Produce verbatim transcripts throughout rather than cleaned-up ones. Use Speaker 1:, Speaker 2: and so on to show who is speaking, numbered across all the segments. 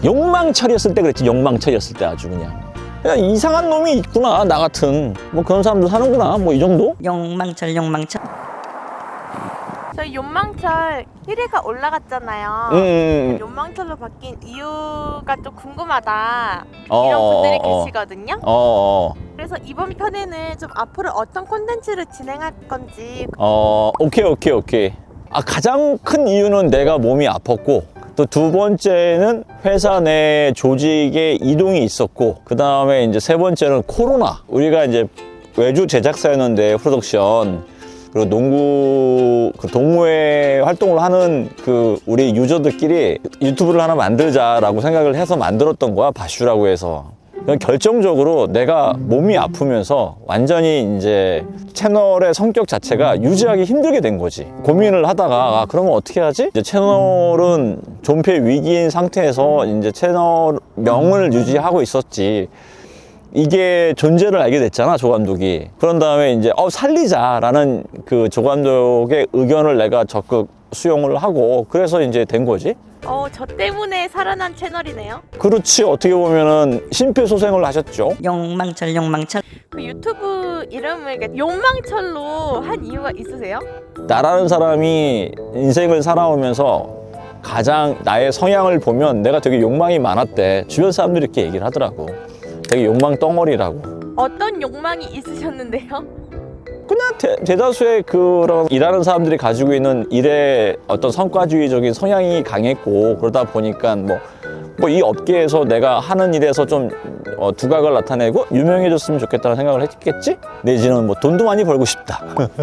Speaker 1: 욕망철이었을 때 그랬지. 욕망철이었을 때 아주 그냥. 야, 이상한 놈이 있구나 나 같은. 뭐 그런 사람도 사는구나 뭐 이 정도?
Speaker 2: 욕망철 욕망철.
Speaker 3: 저희 욕망철 일 위가 올라갔잖아요.
Speaker 1: 음.
Speaker 3: 욕망철로 바뀐 이유가 좀 궁금하다
Speaker 1: 어,
Speaker 3: 이런 분들이
Speaker 1: 어, 어.
Speaker 3: 계시거든요.
Speaker 1: 어, 어,
Speaker 3: 그래서 이번 편에는 좀 앞으로 어떤 콘텐츠를 진행할 건지.
Speaker 1: 어, 오케이, 오케이, 오케이. 아, 가장 큰 이유는 내가 몸이 아팠고, 또 두 번째는 회사 내 조직에 이동이 있었고, 그 다음에 이제 세 번째는 코로나. 우리가 이제 외주 제작사였는데, 프로덕션. 그리고 농구, 그 동호회 활동을 하는 그 우리 유저들끼리 유튜브를 하나 만들자라고 생각을 해서 만들었던 거야, 바슈라고 해서. 결정적으로 내가 몸이 아프면서 완전히 이제 채널의 성격 자체가 유지하기 힘들게 된 거지. 고민을 하다가 아, 그러면 어떻게 하지? 이제 채널은 존폐 위기인 상태에서 이제 채널명을 유지하고 있었지. 이게 존재를 알게 됐잖아, 조 감독이. 그런 다음에 이제 어 살리자라는 그 조 감독의 의견을 내가 적극 수용을 하고 그래서 이제 된 거지.
Speaker 3: 어, 저 때문에 살아난 채널이네요.
Speaker 1: 그렇지. 어떻게 보면은 심폐소생을 하셨죠.
Speaker 2: 욕망철 욕망철.
Speaker 3: 그 유튜브 이름을 이렇게 욕망철로 한 이유가 있으세요?
Speaker 1: 나라는 사람이 인생을 살아오면서 가장 나의 성향을 보면 내가 되게 욕망이 많았대. 주변 사람들이 이렇게 얘기를 하더라고. 되게 욕망 덩어리라고.
Speaker 3: 어떤 욕망이 있으셨는데요?
Speaker 1: 그냥 대, 대다수의 그런 일하는 사람들이 가지고 있는 일의 어떤 성과주의적인 성향이 강했고 그러다 보니까 뭐 뭐 이 업계에서 내가 하는 일에서 좀 어, 두각을 나타내고 유명해졌으면 좋겠다는 생각을 했겠지? 내지는 뭐 돈도 많이 벌고 싶다.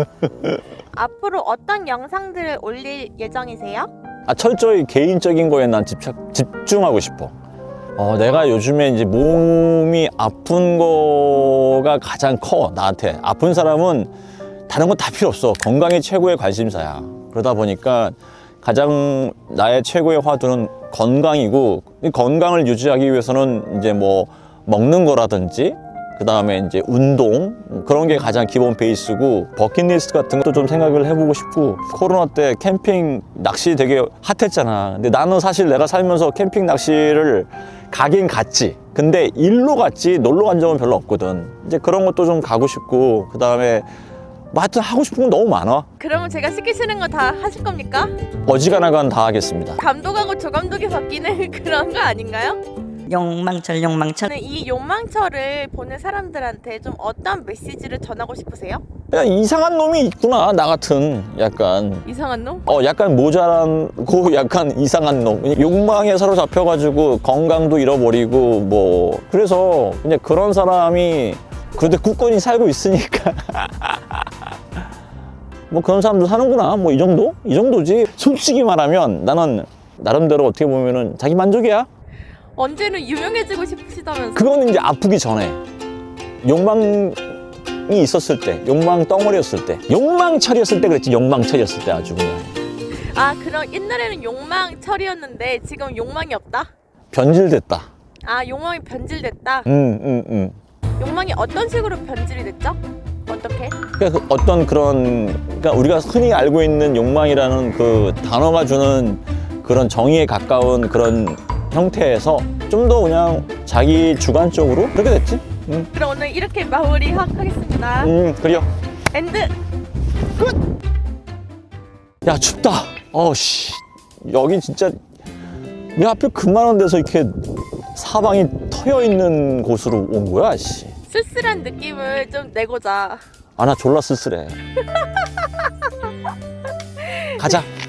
Speaker 3: 앞으로 어떤 영상들을 올릴 예정이세요?
Speaker 1: 아, 철저히 개인적인 거에 난 집착, 집중하고 싶어. 어, 내가 요즘에 이제 몸이 아픈 거가 가장 커, 나한테. 아픈 사람은 다른 건 다 필요 없어. 건강이 최고의 관심사야. 그러다 보니까 가장 나의 최고의 화두는 건강이고, 이 건강을 유지하기 위해서는 이제 뭐 먹는 거라든지, 그 다음에 이제 운동, 그런 게 가장 기본 베이스고, 버킷리스트 같은 것도 좀 생각을 해보고 싶고, 코로나 때 캠핑 낚시 되게 핫했잖아. 근데 나는 사실 내가 살면서 캠핑 낚시를 가긴 갔지. 근데 일로 갔지 놀러 간 적은 별로 없거든. 이제 그런 것도 좀 가고 싶고, 그 다음에 뭐 하여튼 하고 싶은 건 너무 많아.
Speaker 3: 그러면 제가 시키시는 거 다 하실 겁니까?
Speaker 1: 어지간하건 다 하겠습니다.
Speaker 3: 감독하고 조감독이 바뀌는 그런 거 아닌가요?
Speaker 2: 욕망철 욕망철.
Speaker 3: 저는 이 욕망철을 보는 사람들한테 좀 어떤 메시지를 전하고 싶으세요?
Speaker 1: 야, 이상한 놈이 있구나 나 같은. 약간
Speaker 3: 이상한 놈?
Speaker 1: 어 약간 모자란고 약간 이상한 놈. 욕망에 사로잡혀가지고 건강도 잃어버리고 뭐 그래서 그냥 그런 사람이 그런데 굳건히 살고 있으니까 뭐 그런 사람도 사는구나 뭐 이 정도? 이 정도지. 솔직히 말하면 나는 나름대로 어떻게 보면은 자기 만족이야.
Speaker 3: 언제는 유명해지고 싶으시다면서.
Speaker 1: 그거는 이제 아프기 전에 욕망이 있었을 때, 욕망 덩어리였을 때, 욕망철이었을 때 그랬지. 욕망철이었을 때 아주 그냥
Speaker 3: 아, 그럼 옛날에는 욕망철이었는데 지금 욕망이 없다?
Speaker 1: 변질됐다.
Speaker 3: 아, 욕망이 변질됐다?
Speaker 1: 음, 음, 음.
Speaker 3: 욕망이 어떤 식으로 변질이 됐죠? 어떻게?
Speaker 1: 그러니까 그 어떤 그런, 그러니까 우리가 흔히 알고 있는 욕망이라는 그 단어가 주는 그런 정의에 가까운 그런 형태에서 좀 더 그냥 자기 주관적으로 그렇게 됐지. 음,
Speaker 3: 그럼 오늘 이렇게 마무리 하- 하겠습니다.
Speaker 1: 음, 그래요.
Speaker 3: 엔드!
Speaker 1: 야, 춥다. 어씨, 여기 진짜 왜 하필 그만한 데서 이렇게 사방이 터여 있는 곳으로 온 거야, 씨.
Speaker 3: 쓸쓸한 느낌을 좀 내고자.
Speaker 1: 아, 나 졸라 쓸쓸해. 가자.